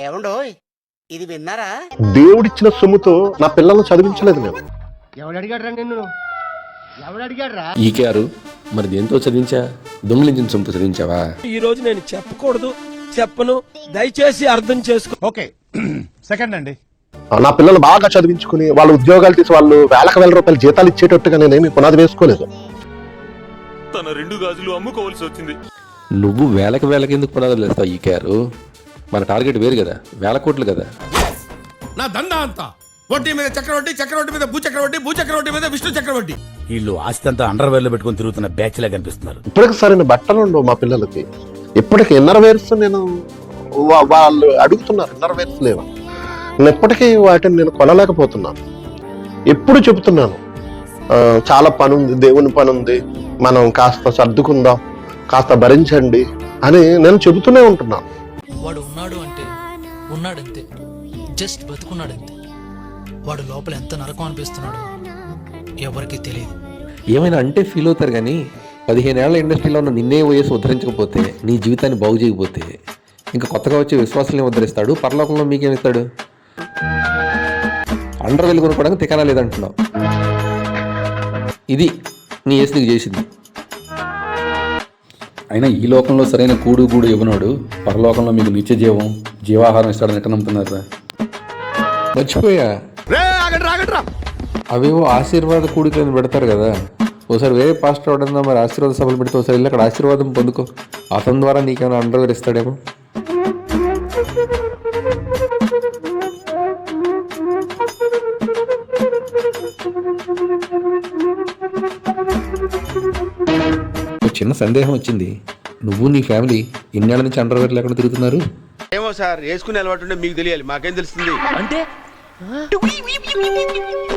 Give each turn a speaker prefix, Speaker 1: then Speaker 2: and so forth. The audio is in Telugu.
Speaker 1: ఏమండోయ్ ఇది విన్నారా?
Speaker 2: దేవుడిచ్చిన సొమ్ముతో నా పిల్లల్ని చదివించలేదు నేను.
Speaker 3: ఈకేఆర్ మరి దేంతో చదివించా? దొంగిలించిన సొమ్ముతో చదివించావా?
Speaker 4: ఈ రోజు నేను చెప్పకూడదు, చెప్పను, దయచేసి అర్థం చేసుకో.
Speaker 5: ఓకే సెకండ్ అండి.
Speaker 2: నా పిల్లలు బాగా చదివించుకుని వాళ్ళ ఉద్యోగాలు తీసి వాళ్ళు వేల రూపాయల జీతాలు ఇచ్చేటట్టుగా నేనేమి పునాది వేసుకోలేదు.
Speaker 6: తన 2 గాజులు అమ్ముకోవాల్సి వచ్చింది.
Speaker 3: నువ్వు వేలకి ఎందుకు పునాదులు వేస్తావు ఈకేఆర్? మన టార్గెట్ వేరు కదా, 1000 కోట్లు కదా.
Speaker 7: నా దందా అంతా వడ్డీ మీద చక్రవడ్డీ, చక్రవడ్డీ మీద భూచక్రవడ్డీ, భూచక్రవడ్డీ మీద విష్ణు చక్రవడ్డీ.
Speaker 5: వీళ్ళు ఆస్తి అంతా అండర్వేర్ లో పెట్టుకుని తిరుగుతున్న బ్యాచ్ లా కనిపిస్తున్నారు.
Speaker 2: ఇప్పటికి సరైన బట్టలు ఉండవు మా పిల్లలకి. ఇప్పటికి ఇన్నర్ వేర్స్ నేను వాళ్ళు అడుగుతున్నారు, ఇన్నర్ వేర్స్ లేవు. నేను ఇప్పటికీ వాటిని నేను కొనలేకపోతున్నాను. ఎప్పుడు చెబుతున్నాను చాలా పని ఉంది, దేవుని పని ఉంది, మనం కాస్త సర్దుకుందాం, కాస్త భరించండి అని నేను చెబుతూనే ఉంటున్నాను.
Speaker 8: వాడు ఉన్నాడు అంటే ఉన్నాడంతే, జస్ట్ బతుకున్నాడంతే. వాడు లోపల ఎంత నరకం అనిపిస్తున్నాడో ఎవరికి తెలియదు.
Speaker 3: ఏమైనా అంటే ఫీల్ అవుతారు కానీ 15 ఏళ్ల ఇండస్ట్రీలో ఉన్న నిన్నే వయసు ఉద్ధరించకపోతే, నీ జీవితాన్ని బాగు చేయకపోతే ఇంకా కొత్తగా వచ్చే విశ్వాసాలను ఉద్ధరిస్తాడు. పరలోకంలో మీకేమిస్తాడు? అండర్వేల్ కొనుక్కోవడానికి తికానా లేదంటున్నావు. ఇది నీ ఏసు నీకు చేసింది.
Speaker 9: అయినా ఈ లోకంలో సరైన కూడు గూడు ఇవ్వనోడు పరలోకంలో మీకు నిత్య జీవం, జీవాహారం ఇస్తాడని ఎట్లా నమ్ముతున్నారా?
Speaker 3: మర్చిపోయా, అవేవో ఆశీర్వాద కూడికలను పెడతారు కదా. ఒకసారి వేరే పాస్టర్ అవడంలో మరి ఆశీర్వాద సభలు పెడితే ఒకసారి వెళ్ళి అక్కడ ఆశీర్వాదం పొందుకో. అతని ద్వారా నీకేమైనా అండర్వేర్ ఇస్తాడేమో. చిన్న సందేహం వచ్చింది. నువ్వు నీ ఫ్యామిలీ ఇన్నేళ్ల నుంచి అండర్వేర్ లేకుండా తిరుగుతున్నారు.
Speaker 6: ఏమో సార్, వేసుకునే అలవాటు ఉంటే మీకు తెలియాలి, మాకేం తెలుస్తుంది.
Speaker 4: అంటే